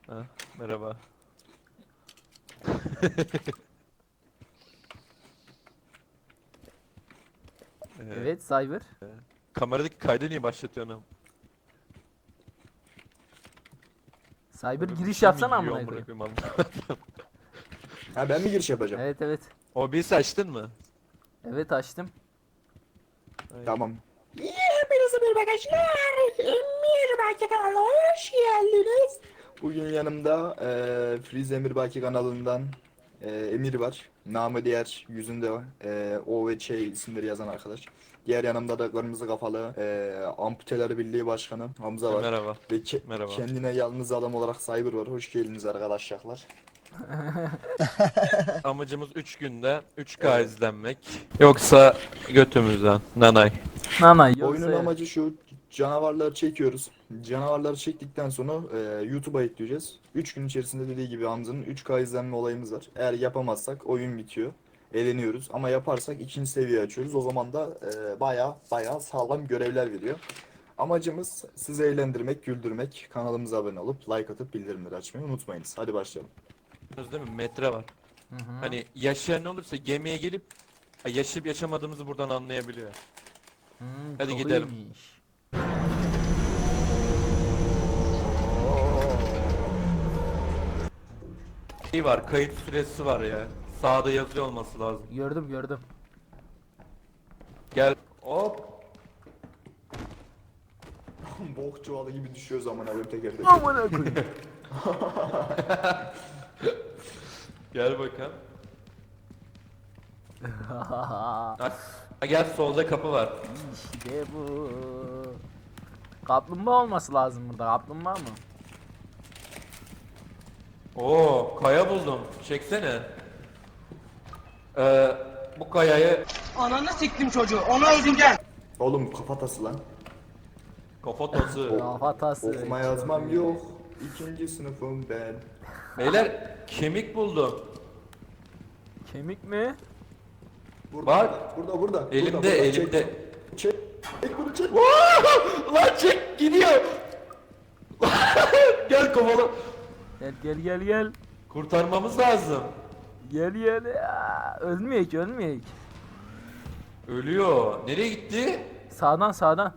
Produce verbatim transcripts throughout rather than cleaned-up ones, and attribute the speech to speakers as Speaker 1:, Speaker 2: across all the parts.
Speaker 1: Ha, merhaba. Ee,
Speaker 2: Evet Cyber.
Speaker 1: Kameradaki kaydı niye başlatıyorsun am?
Speaker 2: Cyber
Speaker 1: Böyle bir
Speaker 2: giriş
Speaker 1: şey mi
Speaker 2: yapsana
Speaker 1: yiyor
Speaker 2: amına
Speaker 1: amına
Speaker 2: koyayım.
Speaker 1: koyayım anlamadım.
Speaker 3: Ha ben mi giriş yapacağım?
Speaker 2: Evet evet.
Speaker 1: O bir açtın mı?
Speaker 2: Evet açtım.
Speaker 1: Ay.
Speaker 3: Tamam. Hepinize merhaba arkadaşlar. Emirbaki kanalına hoş geldiniz. Bugün yanımda eee Freeze Emirbaki kanalından eee, Emir var. Namı diğer yüzünde eee, O ve Ç isimleri yazan arkadaş. Diğer yanımda da kırmızı kafalı eee Amputeler Birliği Başkanı Hamza var.
Speaker 1: Merhaba.
Speaker 3: Ve ke-
Speaker 1: Merhaba.
Speaker 3: kendine yalnız adam olarak Cyber var. Hoş geldiniz arkadaşlar.
Speaker 1: Amacımız üç günde üç K
Speaker 3: Evet.
Speaker 1: izlenmek. Yoksa götümüzden. Nanay.
Speaker 2: Nana yoksa
Speaker 3: Oyunun amacı şu, canavarları çekiyoruz. Canavarları çektikten sonra e, YouTube'a ekleyeceğiz. üç gün içerisinde dediği gibi Hamza'nın üç K izlenme olayımız var. Eğer yapamazsak oyun bitiyor. Eleniyoruz. Ama yaparsak ikinci seviye açıyoruz. O zaman da e, baya baya sağlam görevler veriyor. Amacımız sizi eğlendirmek, güldürmek. Kanalımıza abone olup like atıp bildirimleri açmayı unutmayınız. Hadi başlayalım.
Speaker 1: Değil mi? Metre var.
Speaker 2: Hı hı.
Speaker 1: Hani yaşayan olursa gemiye gelip ha, yaşayıp yaşamadığımızı buradan anlayabiliyor.
Speaker 2: Hmm,
Speaker 1: Hadi
Speaker 2: çok
Speaker 1: gidelim.
Speaker 2: iyiymiş.
Speaker 1: Şey var, kayıt süresi var ya. Sağda yazıyor olması lazım.
Speaker 2: Gördüm gördüm.
Speaker 1: Gel. Hop.
Speaker 3: Bok çuvalı gibi düşüyor zaman abi teker teker.
Speaker 2: Amına koyayım.
Speaker 1: Gel bakalım. Ha, gel solda kapı var.
Speaker 2: İşte bu. Kaplumbağa olması lazım burada. Kaplumbağa mı?
Speaker 1: Oo, kaya buldum. Çeksene. Ee, bu kayayı
Speaker 4: Ananı siktim çocuğu. Onu öldüreceksin.
Speaker 3: Oğlum kafatası lan.
Speaker 1: kafatası.
Speaker 2: Kafatası.
Speaker 3: Okuma yazmam yok. İkinci sınıfım ben.
Speaker 1: Beyler kemik buldum.
Speaker 2: Kemik mi?
Speaker 3: Burada,
Speaker 1: Bak.
Speaker 3: Burada burada.
Speaker 1: Elimde,
Speaker 3: burada, burada.
Speaker 1: elimde.
Speaker 3: Çek. Çek. Çek bunu çek.
Speaker 1: Lan çek gidiyor. Gel kovala.
Speaker 2: Gel gel gel gel.
Speaker 1: Kurtarmamız lazım.
Speaker 2: Gel gel. Ya, ölmeyek ölmeyek.
Speaker 1: Ölüyor. Nereye gitti?
Speaker 2: Sağdan sağdan.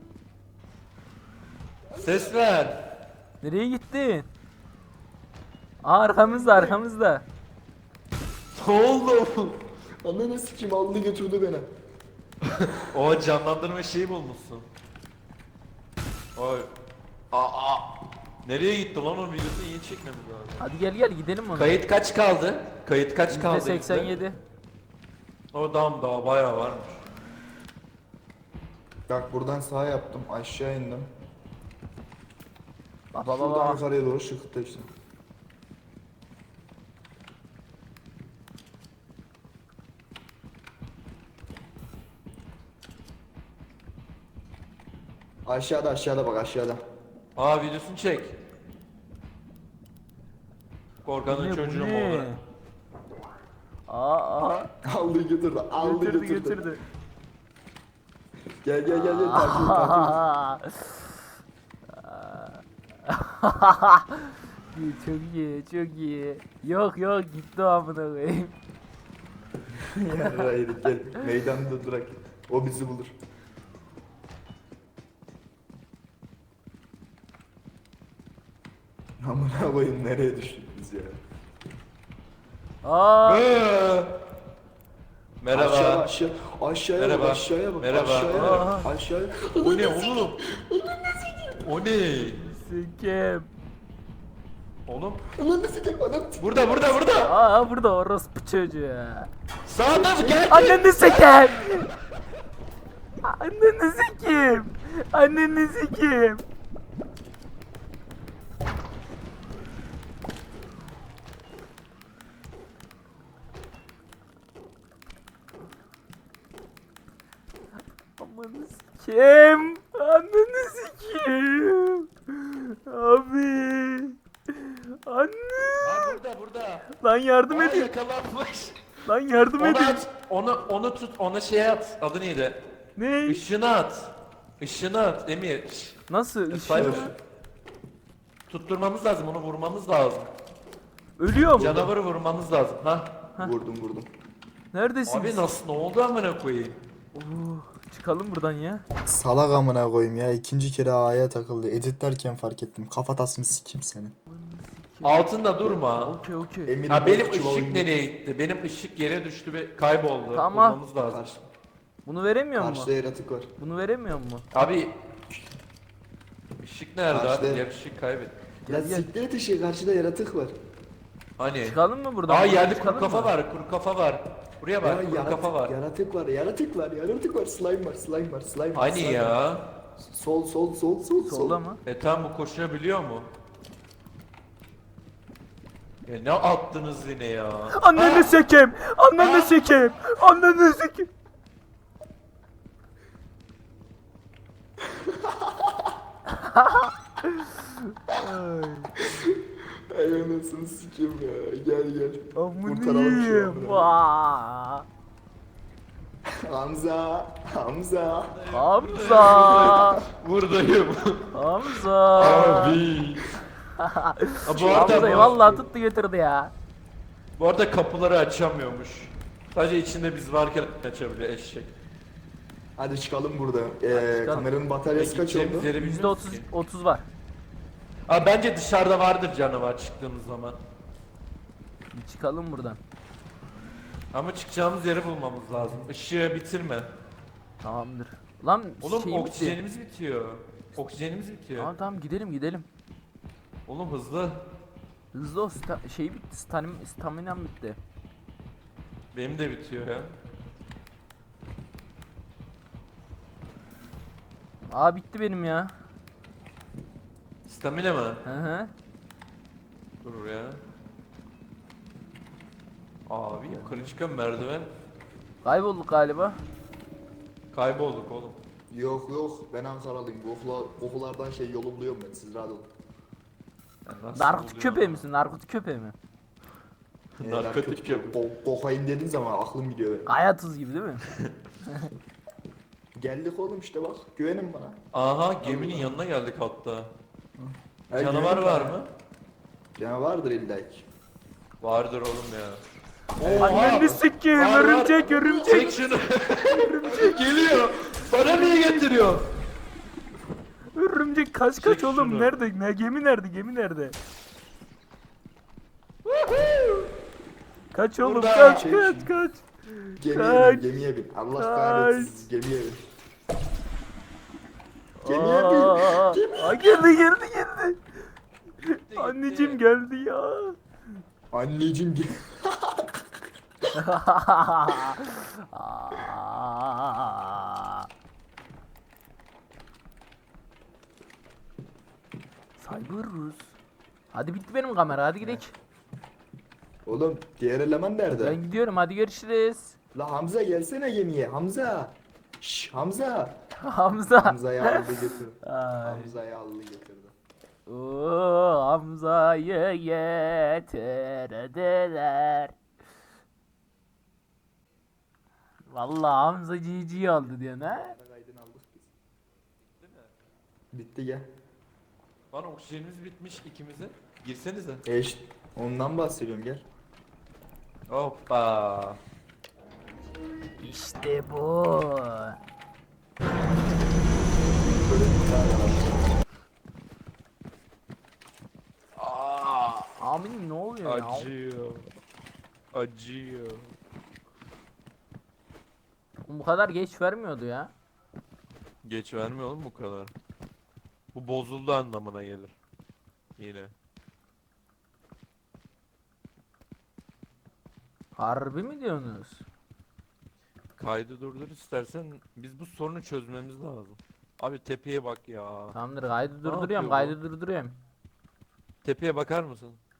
Speaker 1: Ses ver.
Speaker 2: Nereye gittin? Aa, arkamızda arkamızda.
Speaker 1: Ne oldu?
Speaker 3: Ananı sikim aldı götürdü beni.
Speaker 1: O canlandırma şeyi bulmuşsun. Oy. Aa. Nereye gitti lan o videosu iyi çekmemiz lazım.
Speaker 2: Hadi gel gel gidelim ona.
Speaker 1: Kayıt kaç kaldı? Kayıt kaç
Speaker 2: Yüzde
Speaker 1: kaldı?
Speaker 2: seksen
Speaker 1: bizde?
Speaker 2: yedi.
Speaker 1: O dam daha bayağı varmış.
Speaker 3: Bak buradan sağa yaptım aşağı indim.
Speaker 2: Baba
Speaker 3: Şuradan
Speaker 2: baba.
Speaker 3: yukarıya doğru şıkıttı işte. Aşağıda aşağıda bak aşağıda.
Speaker 1: Aa videosunu çek.
Speaker 2: Bu
Speaker 1: Korkanın
Speaker 2: ne, bu
Speaker 1: çocuğu mu
Speaker 2: ne?
Speaker 1: olur?
Speaker 2: Aa aa.
Speaker 3: Aldı götürdü aldı
Speaker 2: Götürdü
Speaker 3: götürdü.
Speaker 2: götürdü.
Speaker 3: Gel gel gel gel takip et takip et.
Speaker 2: İyi, çok iyi çok iyi. Yok yok gitti o amına koyayım.
Speaker 3: Ya hayır gel meydanda durak. O bizi bulur. Amına koyayım nereye düştük biz ya?
Speaker 2: Aa.
Speaker 1: Ee, Merhaba.
Speaker 3: Aşağı aşağı aşağıya
Speaker 1: Merhaba.
Speaker 3: bak aşağıya bak
Speaker 1: Merhaba.
Speaker 3: aşağıya
Speaker 2: Aa.
Speaker 3: bak aşağıya.
Speaker 1: O ne oğlum? O ne?
Speaker 2: Sikem.
Speaker 1: Oğlum.
Speaker 3: Ananı sikeyim ananı sikeyim.
Speaker 1: Burada burada burada.
Speaker 2: Aa burada orospu çocuğu.
Speaker 1: Sağda mı? Gel.
Speaker 2: Anneni sikem. Anneni sikem. Anneni sikem. Amanı sikem. Anneni sikem. Abi. Anne.
Speaker 1: Aa, burada burada.
Speaker 2: Lan yardım
Speaker 1: Aa,
Speaker 2: edin.
Speaker 1: yakalanmış.
Speaker 2: Lan yardım
Speaker 1: Onu
Speaker 2: edin.
Speaker 1: at. Onu onu tut. Ona şey at. Adı neydi?
Speaker 2: Ne?
Speaker 1: Işını at. Işını at Emir.
Speaker 2: Nasıl?
Speaker 1: Cyber.
Speaker 2: Işığı?
Speaker 1: Tutturmamız lazım, onu vurmamız lazım.
Speaker 2: Ölüyorum.
Speaker 1: Canavarı vurmamız lazım. Ha?
Speaker 3: Vurdum vurdum.
Speaker 2: Neredesiniz?
Speaker 1: Abi nasıl, ne oldu amına koyayım?
Speaker 2: Oo, çıkalım buradan ya.
Speaker 3: Salak amına koyayım ya. İkinci kere A'ya takıldı. Editlerken fark ettim. Kafatasını sikeyim seni.
Speaker 1: Altında durma.
Speaker 2: Okey okey.
Speaker 3: Emir
Speaker 1: Ha benim
Speaker 3: Bozkurt
Speaker 1: ışık
Speaker 3: oyunu-
Speaker 1: nereye gitti? Benim ışık yere düştü ve kayboldu.
Speaker 2: Tamam.
Speaker 1: Bulmamız lazım.
Speaker 3: Karşı,
Speaker 2: Bunu veremiyor mu?
Speaker 3: karşıda yaratık var.
Speaker 2: Bunu veremiyor mu?
Speaker 1: Abi ışık nerede
Speaker 3: Karşıda-
Speaker 1: abi? Diğer ışık kaybettim.
Speaker 3: Ya
Speaker 2: Gel, gel.
Speaker 3: siktir et ışığı, karşıda yaratık var.
Speaker 1: Hani?
Speaker 2: Çıkalım mı buradan?
Speaker 1: Aa
Speaker 2: Buradan
Speaker 1: yerde kuru
Speaker 2: çıkalım
Speaker 1: kafa
Speaker 2: mı?
Speaker 1: var, kuru kafa var. Buraya
Speaker 3: Ya
Speaker 1: bak, kuru
Speaker 3: yaratık,
Speaker 1: kafa var.
Speaker 3: yaratık var, yaratık var, yaratık var, slime var, slime var, slime var.
Speaker 1: Hani
Speaker 3: slime var.
Speaker 1: ya?
Speaker 3: Sol, sol, sol, sol, sol.
Speaker 2: Solda mı?
Speaker 1: E tam bu koşabiliyor mu? Ya ne attınız yine ya?
Speaker 2: Anneni sekeyim! Anneni sekeyim! Anneni sekeyim! Ay,
Speaker 3: Ay anasını sikeyim ya. Gel gel.
Speaker 2: amına
Speaker 3: Kurtaralım şu
Speaker 2: yiyeyim.
Speaker 3: amına.
Speaker 2: Vaa!
Speaker 3: Hamza, Hamza.
Speaker 2: Hamza!
Speaker 1: Buradayım.
Speaker 2: Hamza!
Speaker 1: Abi. Ha, bu
Speaker 2: Hamza'yı
Speaker 1: arada,
Speaker 2: vallahi tuttu götürdü ya.
Speaker 1: bu arada kapıları açamıyormuş. Sadece içinde biz varken açabiliyor eşek.
Speaker 3: Hadi çıkalım burada. Ee,
Speaker 2: çıkalım.
Speaker 3: kameranın bataryası kaç
Speaker 1: Gideceğimiz
Speaker 3: oldu?
Speaker 1: yeri
Speaker 2: Yüzde
Speaker 1: bilmiyoruz
Speaker 2: otuz,
Speaker 1: ki.
Speaker 2: otuz var.
Speaker 1: Aa, bence dışarıda vardır canavar çıktığımız zaman.
Speaker 2: Bir çıkalım buradan.
Speaker 1: Ama çıkacağımız yeri bulmamız lazım. Işığı bitirme.
Speaker 2: Tamamdır. Lan
Speaker 1: Oğlum
Speaker 2: şeyim bitti.
Speaker 1: oksijenimiz bitiyor. Oksijenimiz bitiyor.
Speaker 2: Tamam tamam gidelim gidelim.
Speaker 1: Oğlum hızlı.
Speaker 2: Hızlı o sta şey bitti. Stamin staminam bitti.
Speaker 1: Benim de bitiyor ya.
Speaker 2: Aa bitti benim ya.
Speaker 1: Stamina mı?
Speaker 2: Hı hı.
Speaker 1: Dur ya. Abi yukarı çıkan merdiven.
Speaker 2: Kaybolduk galiba.
Speaker 1: Kaybolduk oğlum.
Speaker 3: Yok yok, ben Ankaralıyım. Kokula, kokulardan şey yolu buluyorum ben, siz rahat olun.
Speaker 1: Ya nasıl
Speaker 2: Narkotik
Speaker 1: oluyor
Speaker 2: köpeği
Speaker 1: lan?
Speaker 2: misin? Narkotik köpeği mi?
Speaker 3: Ee,
Speaker 1: Narkotik
Speaker 3: narkotik
Speaker 1: yapıyor.
Speaker 3: ko- kokain dediğin zaman aklım gidiyor benim.
Speaker 2: Kaya tuz gibi değil mi?
Speaker 3: Geldik oğlum işte bak, güvenin bana.
Speaker 1: Aha geminin yanına geldik hatta.
Speaker 3: Ha,
Speaker 1: Canavar
Speaker 3: güvenin
Speaker 1: var
Speaker 3: bana.
Speaker 1: mı?
Speaker 3: Canavardır illa ki.
Speaker 1: Vardır oğlum ya.
Speaker 2: Anneni sikeyim
Speaker 1: Var, var.
Speaker 2: örümcek örümcek.
Speaker 1: Çek şunu. Geliyor. Bana niye getiriyor?
Speaker 2: Örümcek kaç kaç
Speaker 1: Çek
Speaker 2: oğlum
Speaker 1: şunu.
Speaker 2: nerede? Ne gemi nerede? Gemi nerede? Kaç oğlum
Speaker 1: Burada.
Speaker 2: kaç
Speaker 3: Çek
Speaker 2: kaç
Speaker 3: şunu.
Speaker 2: kaç.
Speaker 3: Gemiye
Speaker 2: Kaç.
Speaker 3: bin, gemiye bin. Allah
Speaker 2: Kaç.
Speaker 3: kahretsin, gemiye bin. Gemiye bin.
Speaker 2: Aa, aa, geldi geldi geldi.
Speaker 1: Gitti,
Speaker 2: Anneciğim
Speaker 1: gitti.
Speaker 2: geldi ya.
Speaker 3: Anneciğim gel.
Speaker 2: Aa. Cyberus. Hadi bitti benim kamera hadi gidelim.
Speaker 3: Oğlum diğer eleman nerede?
Speaker 2: Ben gidiyorum hadi görüşürüz.
Speaker 3: La Hamza gelsene gemiye, Hamza. Şş, Hamza.
Speaker 2: Hamza.
Speaker 3: Hamza'yı aldı götürdü.
Speaker 2: Ay.
Speaker 3: Hamza'yı aldı götürdü.
Speaker 2: Oo, Hamza'yı getirdiler. Vallahi Hamza cici aldı diyor ne?
Speaker 3: Kaydını aldık biz. Bitti gel.
Speaker 1: Lan oksijenimiz bitmiş ikimizin. Girsenize.
Speaker 3: E işte, ondan bahsediyorum gel.
Speaker 1: Hoppa.
Speaker 2: İşte bu.
Speaker 3: Böyle bir tane var.
Speaker 1: Aa,
Speaker 2: Amin ne oluyor ya?
Speaker 1: acıyor. Acıyor.
Speaker 2: Bu kadar geç vermiyordu ya.
Speaker 1: Geç vermiyor oğlum bu kadar. Bu bozuldu anlamına gelir. Yine.
Speaker 2: Harbi mi diyorsunuz?
Speaker 1: Kaydı durdur istersen biz bu sorunu çözmemiz lazım. Abi tepeye bak ya.
Speaker 2: Tamamdır kaydı
Speaker 1: yapıyor
Speaker 2: durduruyorum
Speaker 1: bu?
Speaker 2: kaydı durduruyorum.
Speaker 1: Tepeye bakar mısın?